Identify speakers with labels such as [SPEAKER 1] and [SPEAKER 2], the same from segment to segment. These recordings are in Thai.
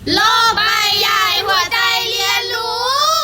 [SPEAKER 1] โลกใบใหญ่หัวใจเรียนรู้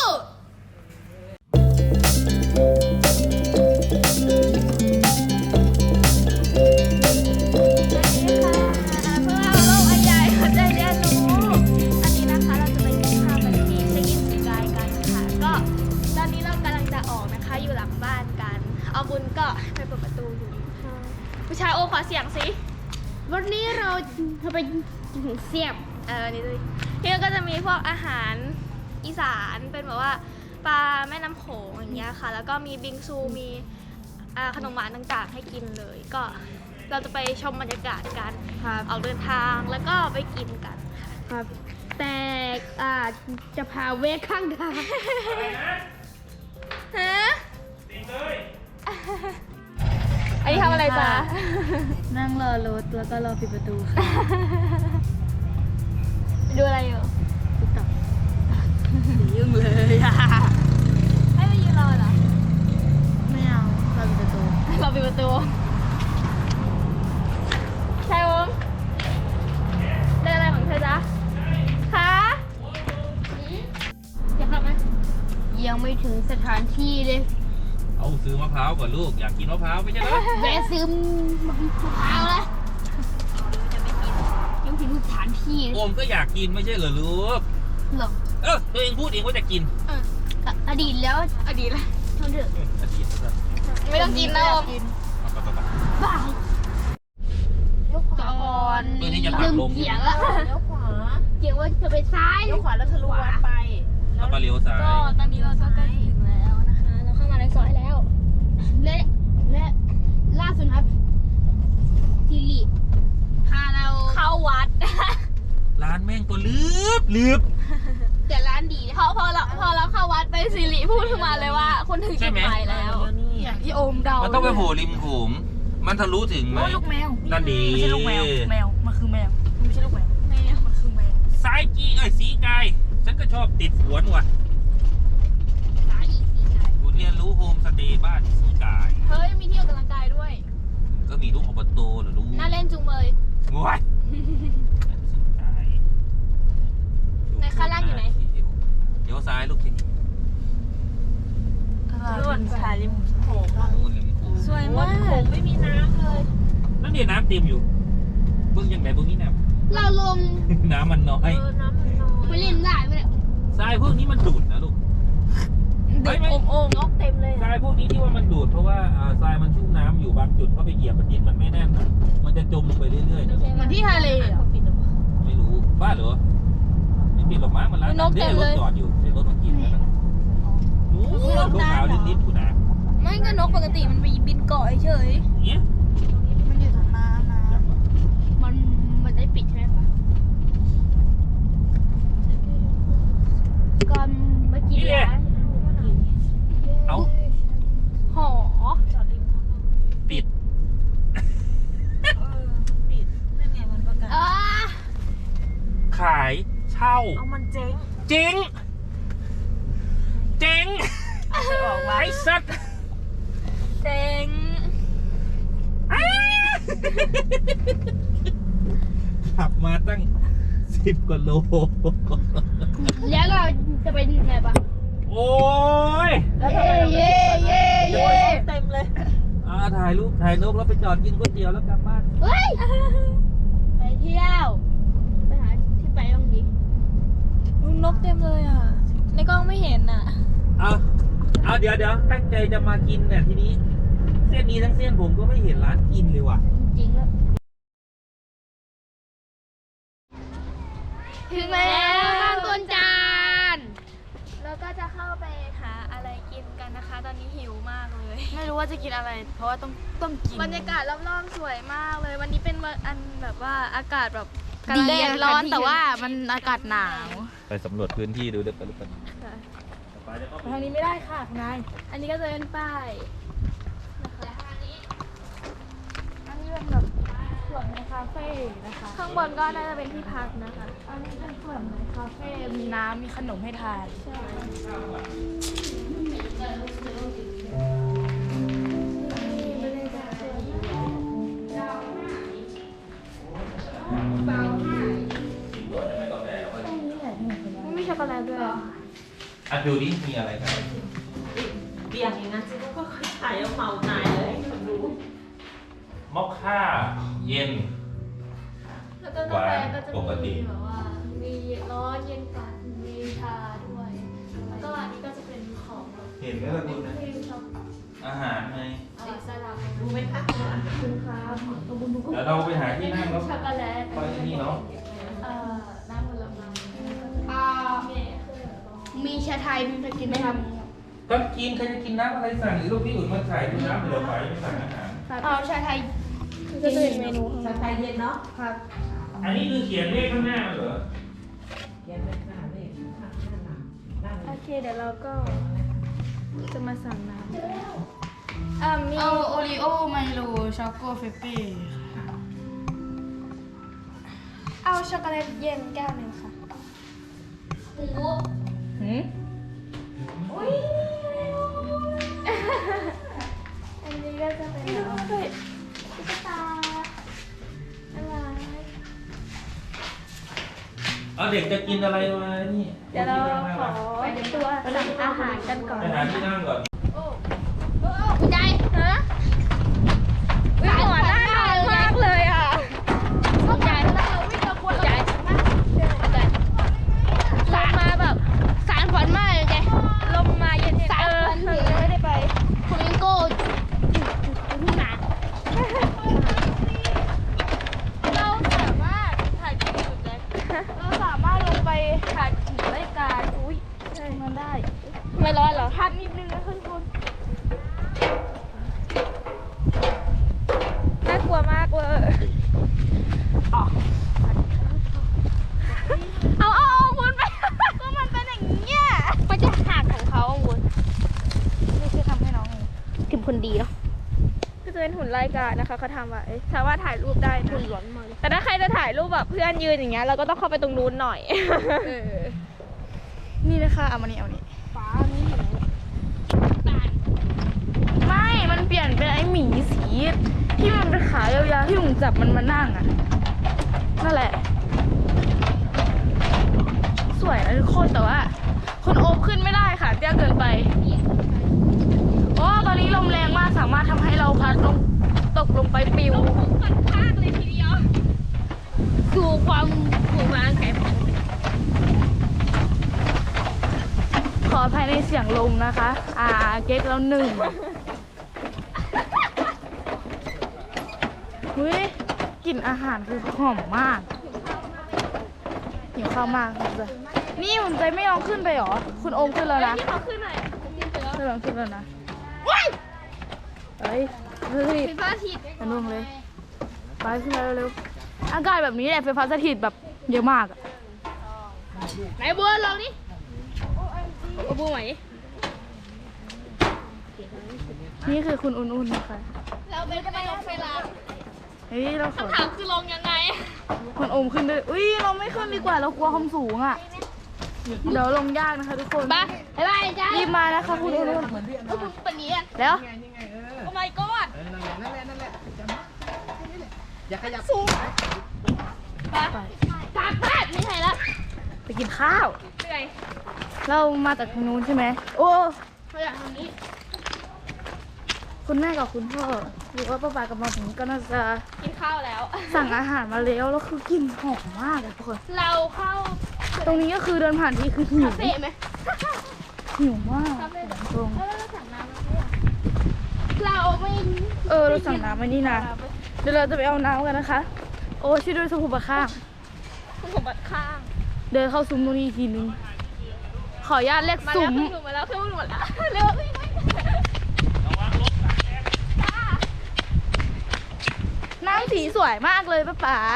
[SPEAKER 2] เอาบุญก็ไปเปิดประตูอยู่ผู้ชายโอขอเสียงสิวันนี้เราจะไปเสียบนี่ด้วยที่ก็จะมีพวกอาหารอีสานเป็นแบบว่าปลาแม่น้ำโขงอย่างเงี้ยค่ะแล้วก็มีบิงซูมีขนมหวานต่างๆให้กินเลยก็เราจะไปชมบรรยากาศกันออกเดินทางแล้วก็ไปกินกันครับแต่จะพาเวกข้างทางฮะอันนี้ทำอะไรจ๊ะ
[SPEAKER 1] นั่งรอรถแล้วก็รอปิดประตูค่ะ
[SPEAKER 2] ดูอะไรอยู่
[SPEAKER 1] ติ๊กต็อกยุ่งเลยอะ
[SPEAKER 2] ให้ไปยืนรอเหรอ
[SPEAKER 1] ไม่เอารอปิดประตู
[SPEAKER 2] รอปิดประตูใช่ผมได้อะไรของเธอจ๊ะคะอยากทำไหม
[SPEAKER 1] ยังไม่ถึงสถานที่เลย
[SPEAKER 3] เอาซื้อมะพร้าวก่อนลูกอยากกินมะพร้าวไม่ใช่เหรอ
[SPEAKER 1] แวะซื้อมะพร้าวแล้วยังถึงสถานที่เลย
[SPEAKER 3] โอมก็อยากกินไม่ใช่เหรอลูก
[SPEAKER 1] หรอ
[SPEAKER 3] ตัวเองพูดเองว่าจะกิน
[SPEAKER 1] อดีตแล้ว
[SPEAKER 2] อดีตเลย
[SPEAKER 1] ทนเถอะ
[SPEAKER 3] อดีตนะครับ
[SPEAKER 2] ไม่ต้องกินนะอม
[SPEAKER 3] ไป
[SPEAKER 1] บ้าก่อน
[SPEAKER 3] เพื่อที่จะตัดลง
[SPEAKER 1] เกี่ยงละ
[SPEAKER 4] เลี้ยวขวา
[SPEAKER 1] เกี่ยงว่าจะไปซ้าย
[SPEAKER 4] เลี้ยวขวาแล้วทะลุวัดไป
[SPEAKER 3] แล้วก็เลี้ยวซ้าย
[SPEAKER 2] ก็ตอนนี้เราก็ใกล้ถึงแล้วนะคะเราเข้ามาในซอยแล้ว
[SPEAKER 1] และล่าสุดครับทีรีพาเรา
[SPEAKER 2] เข้าวัด
[SPEAKER 3] ร้านแม่งตัวลืบ
[SPEAKER 1] แต่ร้านดีนะ
[SPEAKER 2] พอเราเข้าวัดไปสิริพูดขึ้นมาเลยว่าคนถึงจุดหมายแล้ว
[SPEAKER 4] อย่างที่
[SPEAKER 2] ที่โอมเดา
[SPEAKER 3] มันต้องไปโผล่ริมโขงมันทะลุถึงไหม
[SPEAKER 4] ลูกแมว
[SPEAKER 3] นั่นดี
[SPEAKER 4] ไม่ใช่ลูกแมวแมวมันคือแมวไม่ใช่ลูกแมวมันคือแมว
[SPEAKER 3] ซ้ายจีสีกายฉันก็ชอบติดสวนว่ะ
[SPEAKER 1] ซ้ายอีกสีไง
[SPEAKER 3] กูเรียนรู้โฮมสเตย์บ้านสีกาย
[SPEAKER 2] เฮ้ยมีที่ออกกำลังกายด้วย
[SPEAKER 3] ก็มีลูกอบตเหรอลูก
[SPEAKER 2] น่าเล่นจุงเมย
[SPEAKER 3] งวยสีกาย
[SPEAKER 2] ในข้างล่างอยู่ไหน
[SPEAKER 3] เดี๋ยวซ้ายลูกทีนี้
[SPEAKER 4] ส่วนสายริมโขง
[SPEAKER 3] นู่นริมโขง
[SPEAKER 2] สวย
[SPEAKER 4] วั
[SPEAKER 2] มา
[SPEAKER 4] ดโข
[SPEAKER 2] ก
[SPEAKER 4] งไม่มีน้ำเลย
[SPEAKER 3] นั่นเนี่ยน้ำเต็มอยู่เบิ่งยังไงเบิ่งนี้น้
[SPEAKER 1] เราลง
[SPEAKER 3] ำ น้ำมันน้อย
[SPEAKER 4] น้ำมันน้อ
[SPEAKER 1] ไป
[SPEAKER 4] ย
[SPEAKER 1] เล่นได้ไหมเนี่ย
[SPEAKER 3] ทรายพวกนี้มันดูดนะลูก
[SPEAKER 2] ดึกโอม
[SPEAKER 4] นกเต็มเลย
[SPEAKER 3] ทรายพวกนี้ที่ว่ามันดูดเพราะว่าทรายมันชุ่มน้ำอยู่บางจุดเขาไปเหยียบดินมันไม่แน่น มันจะจมลงไปเรื่อยๆนะลูก
[SPEAKER 2] เหมือนที่ทะเลเหรอ
[SPEAKER 4] ปิดหรือเปล่า
[SPEAKER 3] ไม่รู้บ้าเหรอไม่ปิดหรอกมั้งมันร้าน
[SPEAKER 2] นกเต็มเลย
[SPEAKER 3] รถจอดอยู่เดี๋ยวรถมันกินกันโอ้โหรถขาวนิดๆกูนะ
[SPEAKER 2] ไม่ก็นกปกติมันไปบินเกาะเฉย
[SPEAKER 3] เนี้ย
[SPEAKER 4] มันอยู่ตรงน้ำนะ
[SPEAKER 3] จังวะ
[SPEAKER 1] มันได้ปิดใช่ไหมปะก่อนเมื่อกี้ร้าน
[SPEAKER 3] เอา
[SPEAKER 2] หอ
[SPEAKER 4] จอดริมน้ำ
[SPEAKER 3] ปิด
[SPEAKER 4] ปิดนั่นไงมันประกาศ
[SPEAKER 3] ขายเช่า
[SPEAKER 4] เอามันเจ๊ง
[SPEAKER 3] จริงเจ๋ง
[SPEAKER 4] ไปออกวัด
[SPEAKER 3] ไอ้สัตว์
[SPEAKER 2] เจ๋ง
[SPEAKER 3] ขับมาตั้ง10 กว่าโล
[SPEAKER 1] แล้วเราจะไปไหนปะ
[SPEAKER 3] โอ้ย
[SPEAKER 1] แล้วทำไมเราไม่เย่
[SPEAKER 4] โอ้ยเต็มเลย
[SPEAKER 3] ถ่ายรูปถ่ายนกแล้วไปจอดกินก๋วยเตี๋ยวแล้วกลับบ้าน
[SPEAKER 1] เฮ้ยไปเที่ยวไปหาที่ไปบ้างดิ
[SPEAKER 2] นกเต็มเลยอ่ะ ในกล้องไม่เห็นอ่ะ
[SPEAKER 3] เอาเดี๋ยวตั้งใจจะมากินเนี่ยทีนี้ เส้นนี้ทั้งเส้นผมก็ไม่เห็นร้านกินเลยว่ะ
[SPEAKER 1] จริงๆแล้ว
[SPEAKER 2] ถึงแล้วบางต้นจานแล้วก็จะเข้าไปหาอะไรกินกันนะคะ ตอนนี้หิวมากเลย
[SPEAKER 4] ไม่รู้ว่าจะกินอะไร เพราะว่าต้องกิน
[SPEAKER 2] บรรยากาศรอบๆสวยมากเลย วันนี้เป็นวันอันแบบว่าอากาศแบบแดดร้อนแต่ว่ามันอากาศหนาว
[SPEAKER 3] ไปสำรวจพื้นที่ดูเด็กไป
[SPEAKER 4] ทางนี้ไม่ได้ค่ะคุณนาย
[SPEAKER 2] อันนี้ก็จะเป็นป้าย
[SPEAKER 4] อันนี้เป็นแบบส่วนในคาเฟ่นะคะ
[SPEAKER 2] ข้างบนก็น่าจะเป็นที่พักนะคะ
[SPEAKER 4] อันนี้เป็นส่วนในคาเฟ่มีน้ำมีขนมให้ทาน
[SPEAKER 3] เ
[SPEAKER 2] โกแลตด้วย
[SPEAKER 3] อ่ะดูดิมีอะไรกัน
[SPEAKER 5] เบียร์อย่างนั้นฉันก็ขายเอาเมาหายเลยให้คนดู
[SPEAKER 3] มอคค่าเย็น
[SPEAKER 2] แล้วก็กาแฟก็จะมีแบบว่ามีร้อนเย็นกว่ามีชาด้วยแล้วก็อันนี้ก็จะเป็นของแบบ
[SPEAKER 3] เห็นไหมล่ะคุณนะ
[SPEAKER 2] ครีมช็อก
[SPEAKER 3] อาหารไง
[SPEAKER 2] สลัด
[SPEAKER 5] ดูไหมคะ
[SPEAKER 2] คุณครับตัวบุญบุญ
[SPEAKER 3] เดี๋ยวเราไปหาที่นั่งแล้ว
[SPEAKER 2] ช็อกโกแลต
[SPEAKER 3] ไปที่นี่เนาะ
[SPEAKER 2] น้ำผลไม้
[SPEAKER 1] มีชาไทยมีกินไหมครับ
[SPEAKER 3] ก็กินใครจะกินน้ำอะไรสั่งหรือลูกพี่อุ่นมาขายดูน้ำเหลือไว้ไม่สั่งอาหาร
[SPEAKER 1] เอาชาไทย
[SPEAKER 2] ก็จะเป็นเมนู
[SPEAKER 5] ชาไทยเย็นเนาะ
[SPEAKER 1] ครับ
[SPEAKER 3] อันนี้คือเขียนเลขข้างหน้าเหรอ
[SPEAKER 5] เขียนเป็นหน้าเลขข้างหน้าด้าน
[SPEAKER 2] โอเคเดี๋ยวเราก็จะมาสั่งน้ำมี
[SPEAKER 1] เอาโอรีโอไมโลช็อกโกเฟปปี้
[SPEAKER 2] เอาช็อกโกแลตเย็นแก้วหนึ่งค่ะ
[SPEAKER 1] หืม
[SPEAKER 2] อันนี้ก็จะเป็นน้ำตุ๊กตาอะไร
[SPEAKER 3] เอาเด็กจะกินอะไรมานี่
[SPEAKER 2] เดี๋ยวเราขอตัวสั่งอาหารกันก่อน
[SPEAKER 3] ไปหาที่นั่งก่อน
[SPEAKER 1] คุณยาย
[SPEAKER 2] ฮะวิ่งหัวหน้าทานมากเลยอ่ะ
[SPEAKER 1] คุณยายถ้าเราวิ่งเราควรยายสารมาแบบสารฝันมากเลยแก
[SPEAKER 2] ลมมาเย็นๆไม่ได้ไป
[SPEAKER 1] คุณลิงโก้ทุ่งนา
[SPEAKER 2] เราสามารถถ่ายคลิปอยู่เลยเราสามารถลงไปถ่ายถึงรายการอุ้ยมันได้ ไม่ร้อนเหรอพัดนิดนึงนะทุกคนน่ากลัวมากเลยเอาคุณไปก็มันเป็นอย่างเงี้ย
[SPEAKER 1] มันจะหักของเขาคุณ
[SPEAKER 2] นี่คือทำให้น้องเอง
[SPEAKER 1] ถึงคนดีเนาะ
[SPEAKER 2] ก็จะเป็นหุ่นรายการนะคะเขาทำไว้สามารถถ่ายรูปได้นะ
[SPEAKER 1] คุณหลอนมา
[SPEAKER 2] แต่ถ้าใครจะถ่ายรูปแบบเพื่อนยืนอย่างเงี้ยเราก็ต้องเข้าไปตรงนู้นหน่อย นี่นะคะเอามานี่เอานี่
[SPEAKER 1] ฟ้านี่เห็นไหมตาล
[SPEAKER 2] ไม่ มันเปลี่ยนเป็นไอ้หมีสีที่มันเป็นขายาวๆที่มึงจับมันมานั่งอ่ะ นั่นแหละ สวยนะทุกคนแต่ว่าคนโอบขึ้นไม่ได้ค่ะเตี้ยเกินไปโอ้ตอนนี้ลมแรงมากสามารถทำให้เราพัดลงตกลงไปปิว
[SPEAKER 1] สู่ความผูกพันแข็ง
[SPEAKER 2] ขออภัยในเสียงลมนะคะ เก๊กแล้วหนึ่งเฮ้ยกลิ่นอาหารคือหอมมากหิวข้าวมากเลยนี่หุ่นใจไม่ยอมขึ้นไปหรอ คุณโอมขึ้นแล้วนะที่เขาขึ้นหน่อยขึ้นแล้วนะเฮ้ย
[SPEAKER 1] ไฟฟ้าฉีด
[SPEAKER 2] มันลงเลย ไปขึ้นมาเร็วๆอากาศแบบนี้แหละไฟฟ้าสถิตแบบเยอะมากอะ
[SPEAKER 1] ไหนบัวลองดิเอาบัวไหม
[SPEAKER 2] นี่คือคุณอุ่นๆนะคะ
[SPEAKER 1] เราเป็นจะไปลงเวลา
[SPEAKER 2] เฮ้ยเราขอ
[SPEAKER 1] ถามคือลงยังไง
[SPEAKER 2] คุณโอมขึ้นด้วยอุ้ยเราไม่ขึ้นดีกว่าเรากลัวความสูงอ่ะ เดี๋ยวลงยากนะคะทุกคน
[SPEAKER 1] ไปบ๊ายบายจ้า
[SPEAKER 2] รีบมานะคะคุณอุ่น
[SPEAKER 1] คุณปนีอ่ะ
[SPEAKER 2] ๆแล้ว
[SPEAKER 1] โอ้ my god
[SPEAKER 6] อย่าขยับ
[SPEAKER 1] ไปกลับบ้านไม่ใช่แล้ว
[SPEAKER 2] ไปกินข้าว
[SPEAKER 1] เหนื่อย
[SPEAKER 2] เรามาจากทางนู้นใช่ไหมโอ้
[SPEAKER 1] เขาอยากทำนี้
[SPEAKER 2] คุณแม่กับคุณพ่อหรือว่าป้าปากับมาถึงก็น่าจะ
[SPEAKER 1] กินข้าวแล้ว
[SPEAKER 2] สั่งอาหารมาแล้วแล้วคือกลิ่นหอมมากอะทุกคน
[SPEAKER 1] เราเข้า
[SPEAKER 2] ตรงนี้ก็คือเดินผ่านที่คือหิว
[SPEAKER 1] คาเฟ่ไหม
[SPEAKER 2] หิวมากตรง
[SPEAKER 1] แล้วเราสั่งน้ำมาด้วยเราไม่
[SPEAKER 2] เราสั่งน้ำมานี่นะเดี๋ยวเราจะไปเอาน้ำกันนะคะ โอ้ช่วยด้วยสมุนข้าง
[SPEAKER 1] คุณสมบัติข้าง
[SPEAKER 2] เดินเข้าซุ้มตรงนี้อีกทีนึง ขออนุญาตเรียก
[SPEAKER 1] มา
[SPEAKER 2] ซุ้
[SPEAKER 1] แล้ว
[SPEAKER 2] ม
[SPEAKER 1] ขึ้นหนูมาแล้วขึ้นหนูมาแล้วเร็ววิ่งวิ่ง
[SPEAKER 2] น้ำสีสวยมากเลยป้าป๋า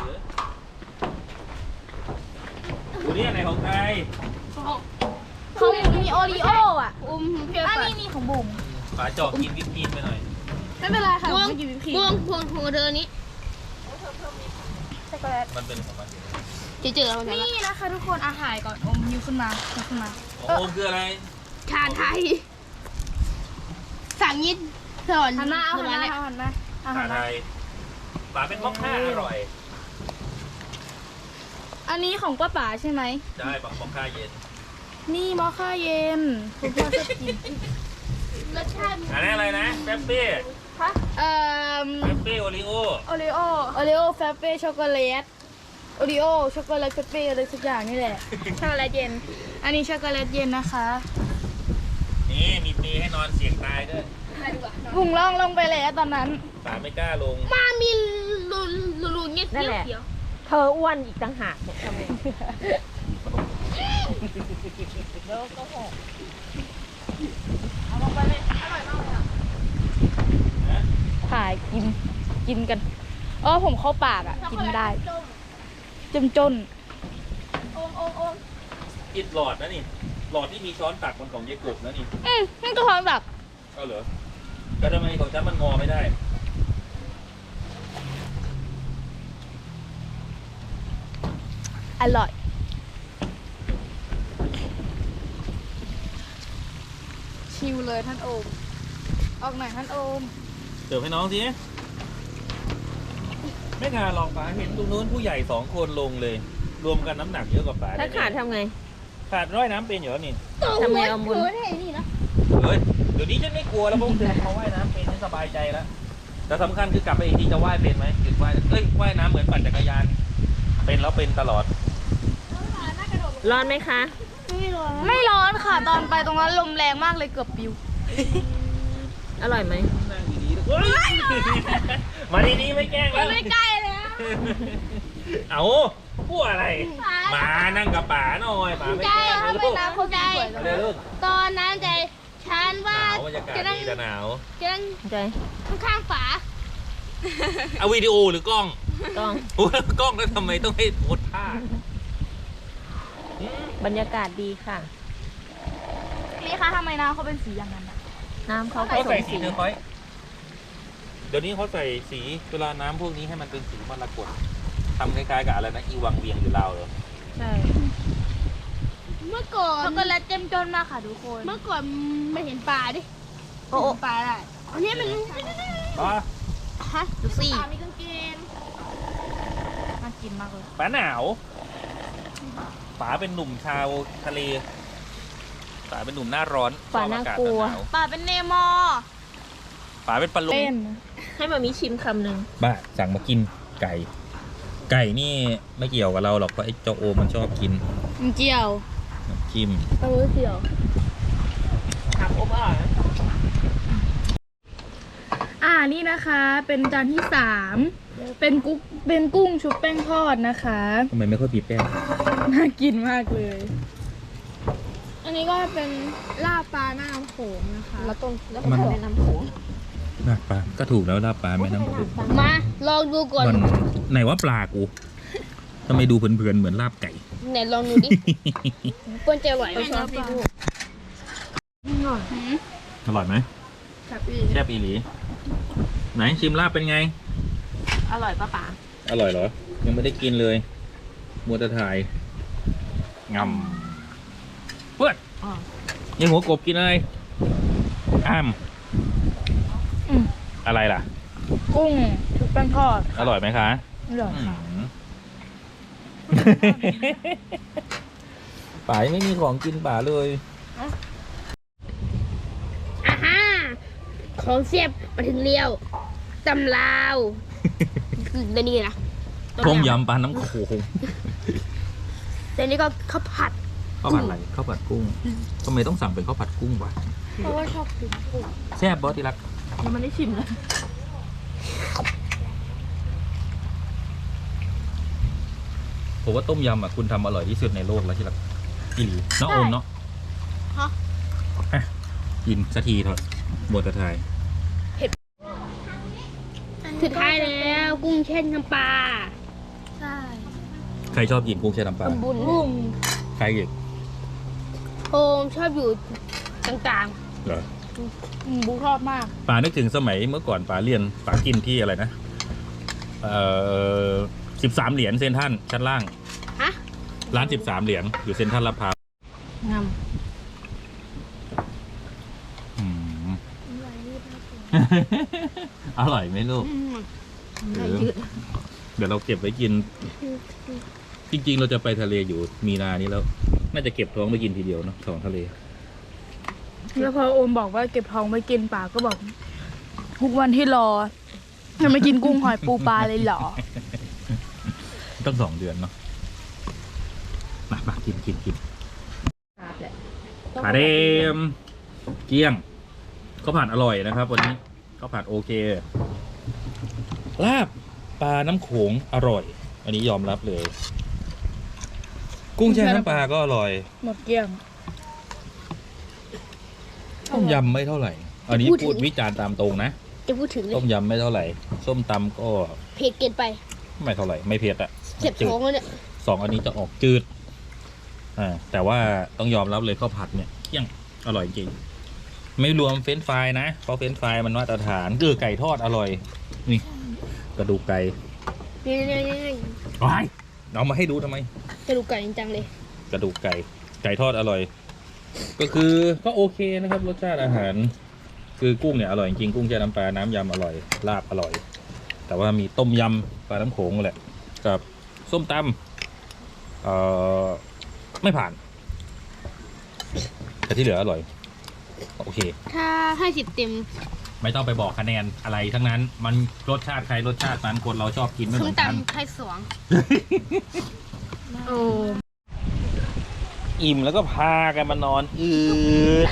[SPEAKER 3] ดูนี่อะไรของใคร
[SPEAKER 2] เขามีโอรีโออ่ะ
[SPEAKER 1] เพียว
[SPEAKER 2] อัน
[SPEAKER 1] ไป
[SPEAKER 2] นี้ของบุ๋ม
[SPEAKER 3] ฝาเจาะกินวิปครีมไปหน่อย
[SPEAKER 2] ไม่เป็นไรค่ะ
[SPEAKER 1] พวง
[SPEAKER 2] ไม่กินวิปครีม
[SPEAKER 1] พวงเธอนี้
[SPEAKER 2] ช็อกโกแลต
[SPEAKER 3] มันเป็นของมัน
[SPEAKER 1] เจอแล้วมัน
[SPEAKER 2] นี่นะคะทุกคนอาหารก่อนอมยิ้วขึ้นมายิ้วขึ้นมา
[SPEAKER 3] ของโอมคืออะไร
[SPEAKER 1] ชาไทยสั่งยิดสอน
[SPEAKER 2] หันหน้าเอาหันหน้า
[SPEAKER 1] เลย
[SPEAKER 2] เอาหันหน้าเอาหั
[SPEAKER 3] ชาน
[SPEAKER 2] ห
[SPEAKER 3] ไท
[SPEAKER 2] น้าย
[SPEAKER 3] ฝาเป็นมอคค่าอร่อย
[SPEAKER 4] อันนี้ของป้าป๋าใช่ไหม
[SPEAKER 3] ใช่บักมอคค่าเย็น
[SPEAKER 4] นี่มอคค่าเย็นคุณพ่อชอบกิน
[SPEAKER 1] รสชาติ
[SPEAKER 3] อันนี้อะไรนะเป๊ปปี้
[SPEAKER 4] เอ่อ
[SPEAKER 3] เป๊ปปี้โอริโอ
[SPEAKER 2] โอริโอ
[SPEAKER 4] โอริโอแฟเป้ช็อกโกแลตโอริโอช็อกโกแลตเฟเป้อะไรสักอย่างนี่แหละ
[SPEAKER 2] ช็อกโกแลตเย็น
[SPEAKER 4] อันนี้ช็อกโกแลตเย็นนะคะ
[SPEAKER 3] นี่มีเปรย์ให้นอนเสี่ยงตายด้วย
[SPEAKER 4] พุงล่องลงไปแล้วตอนนั้น
[SPEAKER 3] ป๋าไม่กล้าลง
[SPEAKER 1] มามีรูเงี้ย
[SPEAKER 5] นั่นแหละ
[SPEAKER 1] เขียว
[SPEAKER 5] เธออ้วนอีกต่างหากเนี่ยทำไม
[SPEAKER 4] ถ่ายกินกันผมเข้าปากอ่ะ กินไม่ได้จมจน
[SPEAKER 3] อิดหลอดนะนี่ หลอดที่มีช้อนตักมันของเยกบนะนี่
[SPEAKER 4] นี่ก็ท้องแบบ
[SPEAKER 3] เอาเหรอแต่ทำไมของฉันมันงอไม่ได้
[SPEAKER 4] อร่อย ชิวเลยท่านโอม ออกหน่อยท่านโอม
[SPEAKER 3] เสิร์ฟให้น้องสิไม่ขาดหรอกป๋าเห็นตรงนู้นผู้ใหญ่2 คนลงเลย รวมกันน้ำหนักเยอะกว่าป๋า
[SPEAKER 5] ถ้าขาดทำไง
[SPEAKER 3] ขาดร้อยน้ำเป็นอยู่แล้วนี่
[SPEAKER 5] ทำไงเอาบุญ
[SPEAKER 3] เฮ้ยเดี๋ยวนี้ฉันไม่กลัวแล้วเพราะเขาว่ายน้ำเป็นฉันสบายใจแล้วแต่สำคัญคือกลับไปอีกทีจะว่ายเป็นไหมหยุดว่ายว่ายน้ำเหมือนปั่นจักรยาน เป็นแล้วเป็นตลอด
[SPEAKER 5] ร้อนไหมคะ
[SPEAKER 4] ไม่ร้อนค่ะ ตอนไปตรงนั้นลมแรงมากเลยเกือบปิว
[SPEAKER 5] อร่อยไหม
[SPEAKER 3] นั่งดีๆเฮ้ยมาดีๆไม่แกล้งแล้ว
[SPEAKER 1] ไม่ใกล้แล้ว
[SPEAKER 3] เอาพูดอะไรมานั่งกับป๋าหน่อยป๋าไม่
[SPEAKER 1] ใช่
[SPEAKER 3] แกล้ง
[SPEAKER 1] ถ้า
[SPEAKER 3] เลย
[SPEAKER 1] ไม่
[SPEAKER 3] ลูก
[SPEAKER 1] น้ำเข้าใจ
[SPEAKER 3] มาเร็วลูก
[SPEAKER 1] ตอนนั้นใจฉัน
[SPEAKER 3] ห
[SPEAKER 1] ว่าน
[SPEAKER 3] าวบรรยากาศ
[SPEAKER 1] จะนั่ง
[SPEAKER 3] ดีแต่หนาว
[SPEAKER 1] จะนั่ง
[SPEAKER 5] ใจ
[SPEAKER 1] ข้างๆฝา
[SPEAKER 3] เอาวิดีโอหรือกล้อง
[SPEAKER 5] ต้อง
[SPEAKER 3] โอ้ยกล้องแล้วทำไมต้องให้โพสท่า
[SPEAKER 5] บรรยากาศดีค่ะ
[SPEAKER 4] นี่คะทำไมน้ำเขาเป็นสีอย่างนั้นอะ
[SPEAKER 5] น้ำเขาผ
[SPEAKER 3] เขา
[SPEAKER 5] ส
[SPEAKER 3] ใส่
[SPEAKER 5] ม
[SPEAKER 3] สี
[SPEAKER 5] สี
[SPEAKER 3] เทอร์คอยส์เดี๋ยวนี้เขาใส่สีเวลาน้ำพวกนี้ให้มันเป็นสีมรกตทำคล้ายๆกับอะไรนะอีวังเวียงอยู่ลาวเหรอ
[SPEAKER 5] ใช่
[SPEAKER 1] เมื่อก่อน
[SPEAKER 4] ช็อกโกแลตเต็มจนมากค่ะทุกคน
[SPEAKER 1] เมื่อก่อนไม่เห็นปลาดิ
[SPEAKER 5] โอ้
[SPEAKER 1] เห็นปลาได้อันนี้มัน
[SPEAKER 3] ป๋า
[SPEAKER 1] ฮะ
[SPEAKER 4] ดูสิ
[SPEAKER 1] ปลามีกางเกง
[SPEAKER 4] น่ากินมากเลย
[SPEAKER 3] ป๋าหนาวป๋าเป็นหนุ่มชาวทะเลป๋าเป็นหนุ่มหน้าร้อน
[SPEAKER 5] ป๋าน่ากลัว
[SPEAKER 3] ชอบอศหนาว
[SPEAKER 4] ป่าเป็นเนมอ
[SPEAKER 3] ป๋าเป็นปลาลุง
[SPEAKER 4] เต้น
[SPEAKER 5] ให้มามีชิมคำหนึ่ง
[SPEAKER 3] บ้าสั่งมากินไก่ ไก่นี่ไม่เกี่ยวกับเราหรอกเพราะไอ้เจ้าโอมันชอบกิน
[SPEAKER 4] มันเจียว
[SPEAKER 3] น้ำจิ้ม
[SPEAKER 4] เออเจียว
[SPEAKER 5] ถามอบอร่อยไหม
[SPEAKER 4] นี่นะคะ เป็นจานที่3เป็นกุ้งชุบแป้งทอดนะคะ
[SPEAKER 3] ทำไมไม่ค่อยปีแป้ง
[SPEAKER 4] น่ากินมากเลย
[SPEAKER 2] อันนี้ก็เป็นลาบปลาหน้าน้ำโขงนะคะ
[SPEAKER 5] แล้วต้นแล้วก็แม่น้ำโขง
[SPEAKER 3] ลาบปลาก็ถูกแล้วลาบปลาแม่น้ำโขง
[SPEAKER 1] มาลองดูก่อน
[SPEAKER 3] มันไหนว่าปลากูทำไมดูเผินๆเหมือนลาบไก่
[SPEAKER 1] ไหนลองดูดิเปิ้ลจะอร่อยไหม
[SPEAKER 5] ชอบพี่ลูก
[SPEAKER 3] อร่อยไหมแซ่บอีหลีไหนชิมลาบเป็นไง
[SPEAKER 5] อร่อยป้าป๋า
[SPEAKER 3] อร่อยเหรอ ยังไม่ได้กินเลยมัวแต่ถ่ายงำเพื่อนยังหัวกบกินอะไรอ้ามอะไรล่ะ
[SPEAKER 4] กุ้งชุบแป้งทอด
[SPEAKER 3] อร่อยไหมคะ
[SPEAKER 4] อร่อยค่ะ
[SPEAKER 3] ป๋ายังไม่มีของกินป๋าเลย
[SPEAKER 1] อ่าฮะของเสียบมาถึงเลี้ยวตำลาวเดี๋ยวนี้นะ
[SPEAKER 3] ต้มยำปลาน้ำโขง
[SPEAKER 1] เดี๋ยวนี้ก็ข้าวผัด
[SPEAKER 3] ข้าวผัดอะไรข้าวผัดกุ้งทำไมต้องสั่งเป็นข้าวผัดกุ้งวะ
[SPEAKER 4] เพราะว่าชอบกินกุ้ง
[SPEAKER 3] แซ่บบอสที่รัก
[SPEAKER 5] ยังไม่ได้ชิมเลย
[SPEAKER 3] ผมว่าต้มยำอ่ะคุณทำอร่อยที่สุดในโลกแล้วที่รักอีหลีน้องโอมเนาะ
[SPEAKER 1] ฮะ
[SPEAKER 3] อ่ะกินสักทีเถอะบทจะถ่าย
[SPEAKER 1] สุดท้ายแล้วกุ้งแช่น้ำปลา
[SPEAKER 4] ใช่
[SPEAKER 3] ใครชอบกินกุ้งแช่น้ำปลา
[SPEAKER 1] บุญบุ้ง
[SPEAKER 3] ใครอีก
[SPEAKER 1] โอมชอบอยู่กลาง
[SPEAKER 3] เหรอ
[SPEAKER 4] บุ๊กชอบมาก
[SPEAKER 3] ป๋านึกถึงสมัยเมื่อก่อนป๋าเรียนป๋ากินที่อะไรนะ13 เหรียญเซนทรัลชั้นล่าง
[SPEAKER 1] ๆฮะ
[SPEAKER 3] ร้าน13 เหรียญอยู่เซนทรัลลาดพร้าว
[SPEAKER 4] งาม
[SPEAKER 3] อืม อร่อยไหมลูก
[SPEAKER 1] อืม
[SPEAKER 3] เดี๋ยวเราเก็บไว้กินจริงๆ เราจะไปทะเลอยู่มีนานี้แล้ว น่าจะเก็บท้องไปกินทีเดียวเนาะท้องทะเล
[SPEAKER 4] แล้วพอโอมบอกว่าเก็บทองไว้กินป่าก็บอกทุกวันที่รอจะไม่กินกุ้งหอยปูปลาเลยเหรอ
[SPEAKER 3] ต้อง2 เดือนเนาะมากินขาเดมเกี้ยงข้าวผัดอร่อยนะครับ วันนี้ข้าวผัดโอเคลาบปลาน้ำโขงอร่อย อันนี้ยอมรับเลย กุ้งแช่น้ำปลาก็อร่อย
[SPEAKER 4] หมดเกลี้ยง
[SPEAKER 3] ต้มยำไม่เท่าไหร่ อันนี้พูดวิจารณ์ตามตรงนะ
[SPEAKER 1] จะพูดถึงเลย
[SPEAKER 3] ต้มยำไม่เท่าไหร่ ส้มตำก็
[SPEAKER 1] เผ็ดเกินไป
[SPEAKER 3] ไม่เท่าไหร่ ไม่เผ็ดอะ
[SPEAKER 1] เจ็บท้องแล้วเนี่ย
[SPEAKER 3] 2 อันนี้จะออกจืดแต่ว่าต้องยอมรับเลยข้าวผัดเนี่ยเที่ยงอร่อยจริง ไม่รวมเฟรนช์ฟรายนะ เพราะเฟรนช์ฟรายมันมาตรฐานไก่ทอดอร่อย นี่ กระดูกไก่
[SPEAKER 1] นี่
[SPEAKER 3] ว้ายเอามาให้ดูทำไม
[SPEAKER 1] กระดูกไก่จริงจังเลย
[SPEAKER 3] กระดูกไก่ทอดอร่อย ก็คือก็โอเคนะครับรสชาติอาหาร คือกุ้งเนี่ยอร่อยจริงกุ้งแช่น้ำปลาน้ำยำอร่อยลาบอร่อย แต่ว่ามีต้มยำปลาน้ำโขงแหละกับส้มตำไม่ผ่าน แต่ที่เหลืออร่อยโอเค
[SPEAKER 1] ถ้าให้10 เต็ม
[SPEAKER 3] ไม่ต้องไปบอกคะแนนอะไรทั้งนั้น มันรสชาติใครรสชาตินั้นคนเราชอบกินไม่เห
[SPEAKER 1] ส้
[SPEAKER 3] มื
[SPEAKER 1] ม
[SPEAKER 3] อนกัน
[SPEAKER 1] ตำให้2
[SPEAKER 4] โอ้
[SPEAKER 3] อิ่มแล้วก็พากันมานอนด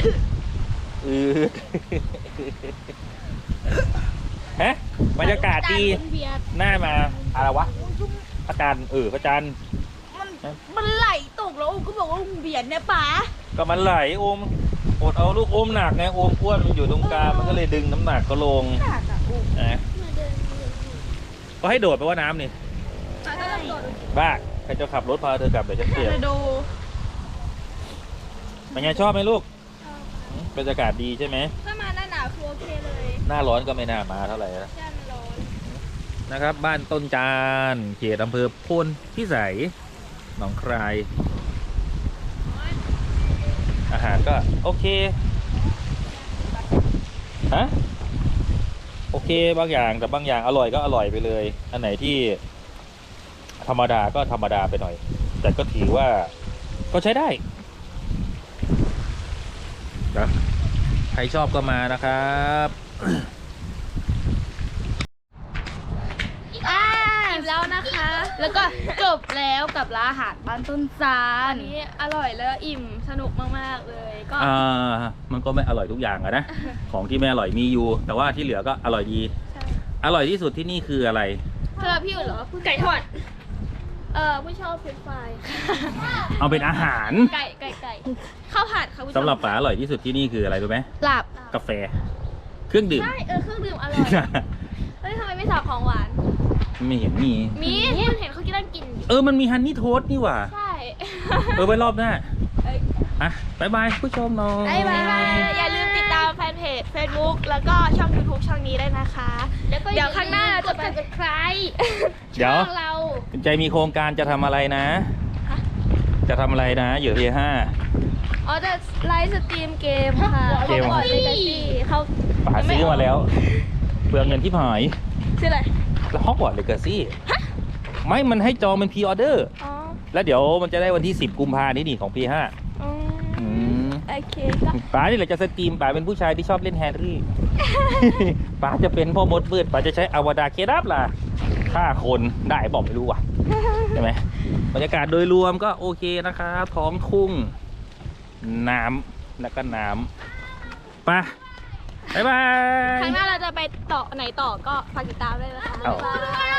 [SPEAKER 3] ฮะบรรยากาศดีหน้ามาอะไรวะพระจันทร์พระจันทร์
[SPEAKER 4] มันไหลตกแล้วโอมก็บอกว่าเบียดเนี่ยป๋า
[SPEAKER 3] ก็มันไหลโอมอดเอาลูกโอมหนักไงโอมอ้วนมันอยู่ตรงกลางมันก็เลยดึงน้ำหนักก็ลงนะก็ให้โดดไปว่าน้ำนี่บ้าใครจะขับรถพาเธอกลับเดี๋ยวฉันเปลี่ยน
[SPEAKER 4] ไปดู
[SPEAKER 3] เป็นไงชอบไหมลูกบรรยากาศดีใช่ไหม
[SPEAKER 2] ถ้ามาหน้าหนาวคือโอเคเลย
[SPEAKER 3] หน้าร้อนก็ไม่น่ามาเท่าไหร่นะ
[SPEAKER 2] ใช่มันร้อน
[SPEAKER 3] นะครับ บ้านต้นจานเขตอำเภอโพนพิสัยหนองคายอาหารก็โอเคฮะโอเคบางอย่างแต่บางอย่างอร่อยก็อร่อยไปเลย อันไหนที่ธรรมดาก็ธรรมดาไปหน่อย แต่ก็ถือว่าก็ใช้ได้นะใครชอบก็มานะครับ
[SPEAKER 2] อิ่มแล้วนะคะ
[SPEAKER 4] แล้วก็จบแล้วกับร้านอาหารบ้านต้นซา
[SPEAKER 2] อั
[SPEAKER 4] น
[SPEAKER 2] นนี้อร่อยแล้วอิ่มสนุกมากๆเลยก็
[SPEAKER 3] มันก็ไม่อร่อยทุกอย่างอะนะ ของที่ไม่อร่อยมีอยู่ แต่ว่าที่เหลือก็อร่อยดี
[SPEAKER 2] ใช่
[SPEAKER 3] อร่อยที่สุดที่นี่คืออะไร
[SPEAKER 2] สำหรับพี่อุ่นเหรอไก่ทอดผู้ชอบเฟรนช์ฟราย
[SPEAKER 3] เอาเป็นอาหาร
[SPEAKER 2] ไก่ข้าวผัดค่ะผู้ชม
[SPEAKER 3] สำหรับป๋าอร่อยที่สุดที่นี่คืออะไรรู้ไหม
[SPEAKER 4] หลับ
[SPEAKER 3] กาแฟ เครื่องดื่ม
[SPEAKER 2] ใช่เครื่องดื่มอร่อยเฮ้ยทำไมไม่สั่งของหวาน
[SPEAKER 3] ไม่เห็นมี
[SPEAKER 2] มีคุณเห็นเขากินนั่งกินอยู่
[SPEAKER 3] มันมีฮันนี่โทสต์นี่หว่า
[SPEAKER 2] ใช่
[SPEAKER 3] ไว้รอบหน้า
[SPEAKER 2] เอ้ย
[SPEAKER 3] อ่ะบายบายผู้ชมน้อง
[SPEAKER 2] บ๊ายบายอย่าลืมติดตามแฟนเพจ Facebook แล้วก็ช่อง YouTube ช่องนี้ได้นะคะ
[SPEAKER 1] แล้วก็
[SPEAKER 2] เดี๋ยวข้างหน้าจะ
[SPEAKER 1] ก
[SPEAKER 2] เป็น
[SPEAKER 1] ด subscribe
[SPEAKER 3] เดี๋ยว
[SPEAKER 2] ช่องเรา
[SPEAKER 3] คุณใจมีโครงการจะทำอะไรนะ จะทำอะไรนะอยู่ที่5
[SPEAKER 2] อ๋อจะไลฟ์สตรีมเกมค่ะ
[SPEAKER 3] เกม
[SPEAKER 2] บอร์ดเลกาซี่เขา
[SPEAKER 3] ป๋าซื้อมาแล้วเปลืองเงินที่หาย
[SPEAKER 2] ชื่ออะไร
[SPEAKER 3] แล้วฮอกวอตส์เลกาซี่ไม่มันให้จองเป็นพรีออเดอร์
[SPEAKER 2] อ๋อ
[SPEAKER 3] แล้วเดี๋ยวมันจะได้วันที่10 กุมภาพันธ์นี่ของ P5
[SPEAKER 2] อืม
[SPEAKER 3] อืม
[SPEAKER 2] โอเคก็
[SPEAKER 3] ป๋านี่แหละจะสตรีมป๋าเป็นผู้ชายที่ชอบเล่นแฮร์รี่ ป๋าจะเป็นพ่อมดมืดป๋าจะใช้อวดาเคดับล่ะฆ่าคนได้บอกไม่รู้ว่ะ ใช่ไหมบรรยากาศโดยรวมก็โอเคนะครับท้องทุ่งน้ำแล้วก็น้ำไปบ๊ายบาย
[SPEAKER 2] ครั้งหน้าเราจะไปต่อไหนต่อก็ฝากติดตามด้วยนะคะ
[SPEAKER 3] เอา
[SPEAKER 2] บ๊ายบาย